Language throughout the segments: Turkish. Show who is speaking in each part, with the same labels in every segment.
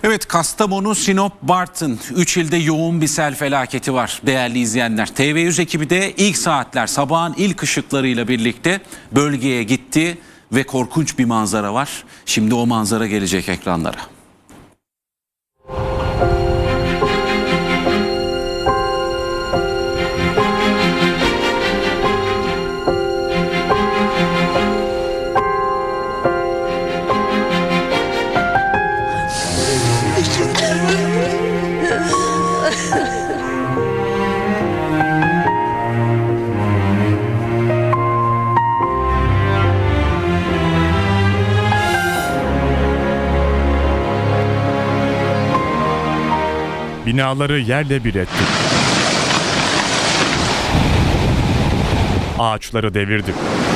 Speaker 1: Evet, Kastamonu, Sinop, Bartın 3 ilde yoğun bir sel felaketi var değerli izleyenler. TV100 ekibi de ilk saatler sabahın ilk ışıklarıyla birlikte bölgeye gitti ve korkunç bir manzara var. Şimdi o manzara gelecek ekranlara.
Speaker 2: Binaları yerle bir etti. Ağaçları devirdi.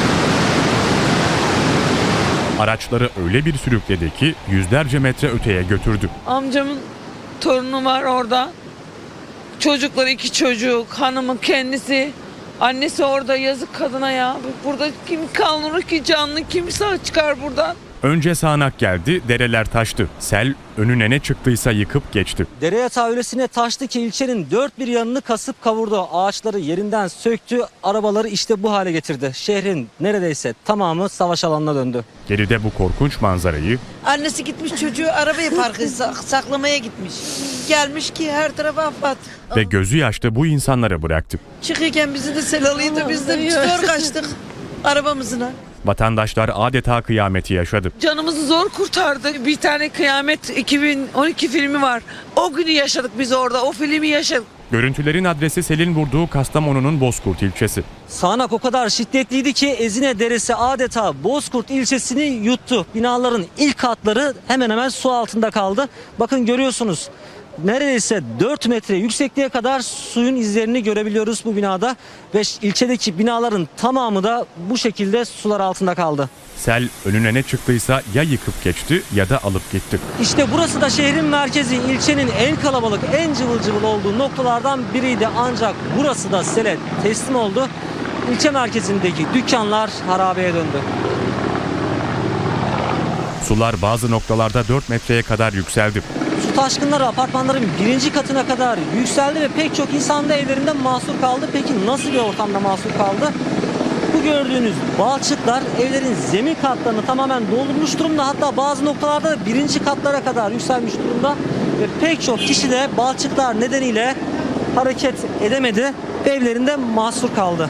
Speaker 2: Araçları öyle bir sürükledi ki yüzlerce metre öteye götürdü.
Speaker 3: Amcamın torunu var orada. Çocukları 2 çocuk, hanımı kendisi. Annesi orada, yazık kadına ya. Burada kim kalır ki, canlı kim sağ çıkar buradan?
Speaker 2: Önce sağanak geldi, dereler taştı. Sel önüne ne çıktıysa yıkıp geçti.
Speaker 4: Dere yatağı öylesine taştı ki ilçenin dört bir yanını kasıp kavurdu. Ağaçları yerinden söktü, arabaları işte bu hale getirdi. Şehrin neredeyse tamamı savaş alanına döndü.
Speaker 2: Geride bu korkunç manzarayı
Speaker 5: Annesi gitmiş çocuğu arabaya parkı saklamaya gitmiş. Gelmiş ki her tarafa afat.
Speaker 2: ve gözü yaşlı bu insanlara bıraktı.
Speaker 5: Çıkırken bizi de sel alıyordu. Biz de zor kaçtık arabamızına.
Speaker 2: Vatandaşlar adeta kıyameti yaşadı.
Speaker 3: Canımızı zor kurtardı. Bir tane Kıyamet 2012 filmi var. O günü yaşadık biz orada. O filmi yaşadık.
Speaker 2: Görüntülerin adresi selin vurduğu Kastamonu'nun Bozkurt ilçesi.
Speaker 4: Sağanak o kadar şiddetliydi ki Ezine Deresi adeta Bozkurt ilçesini yuttu. Binaların ilk katları hemen hemen su altında kaldı. Bakın görüyorsunuz. Neredeyse 4 metre yüksekliğe kadar suyun izlerini görebiliyoruz bu binada. Ve ilçedeki binaların tamamı da bu şekilde sular altında kaldı.
Speaker 2: Sel önüne ne çıktıysa ya yıkıp geçti ya da alıp gitti.
Speaker 4: İşte burası da şehrin merkezi, ilçenin en kalabalık, en cıvıl cıvıl olduğu noktalardan biriydi. Ancak burası da sele teslim oldu. İlçe merkezindeki dükkanlar harabeye döndü.
Speaker 2: Sular bazı noktalarda 4 metreye kadar yükseldi.
Speaker 4: Su taşkınları apartmanların 1. katına kadar yükseldi ve pek çok insan da evlerinde mahsur kaldı. Peki nasıl bir ortamda mahsur kaldı? Bu gördüğünüz balçıklar evlerin zemin katlarını tamamen doldurmuş durumda. Hatta bazı noktalarda da 1. katlara kadar yükselmiş durumda. Ve pek çok kişi de balçıklar nedeniyle hareket edemedi ve evlerinde mahsur kaldı.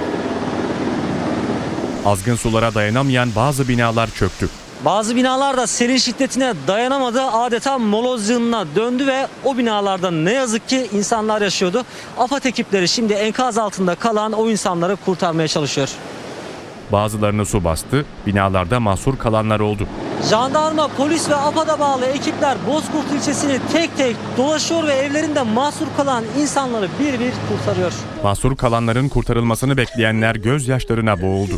Speaker 2: Azgın sulara dayanamayan bazı binalar çöktü.
Speaker 4: Bazı binalar da selin şiddetine dayanamadı, adeta moloz yığınına döndü ve o binalarda ne yazık ki insanlar yaşıyordu. AFAD ekipleri şimdi enkaz altında kalan o insanları kurtarmaya çalışıyor.
Speaker 2: Bazılarını su bastı, binalarda mahsur kalanlar oldu.
Speaker 4: Jandarma, polis ve AFAD'a bağlı ekipler Bozkurt ilçesini tek tek dolaşıyor ve evlerinde mahsur kalan insanları bir bir kurtarıyor.
Speaker 2: Mahsur kalanların kurtarılmasını bekleyenler gözyaşlarına boğuldu.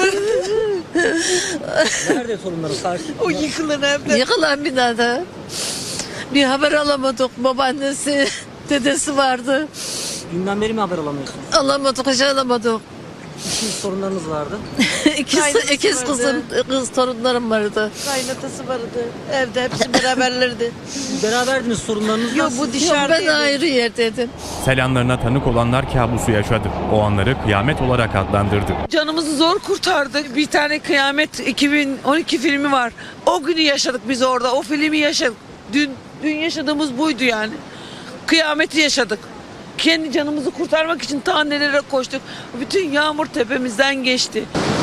Speaker 4: Nerede sorunları sakin?
Speaker 5: O yıkılan evler.
Speaker 6: Yıkılan binada. Bir haber alamadık. Babaannesi, dedesi vardı.
Speaker 4: Dünden beri mi haber alamıyorsunuz?
Speaker 6: Alamadık, hiç alamadık.
Speaker 4: İşin sorunlarınız vardı.
Speaker 6: İkiz kızım, kız torunlarım vardı.
Speaker 5: Kaynatası vardı. Evde hepsi beraberlerdi.
Speaker 4: Beraberdiniz, sorunlarınız
Speaker 5: Yok
Speaker 4: nasıl?
Speaker 5: bu
Speaker 6: Yok,
Speaker 5: dışarıdaydı.
Speaker 6: ben ayrı yerdeydim.
Speaker 2: Sel anlarına tanık olanlar kabusu yaşadı. O anları kıyamet olarak adlandırdı.
Speaker 3: Canımızı zor kurtardı. Bir tane Kıyamet 2012 filmi var. O günü yaşadık biz orada. O filmi yaşadık. Dün yaşadığımız buydu yani. Kıyameti yaşadık. Kendi canımızı kurtarmak için ta nelere koştuk. Bütün yağmur tepemizden geçti.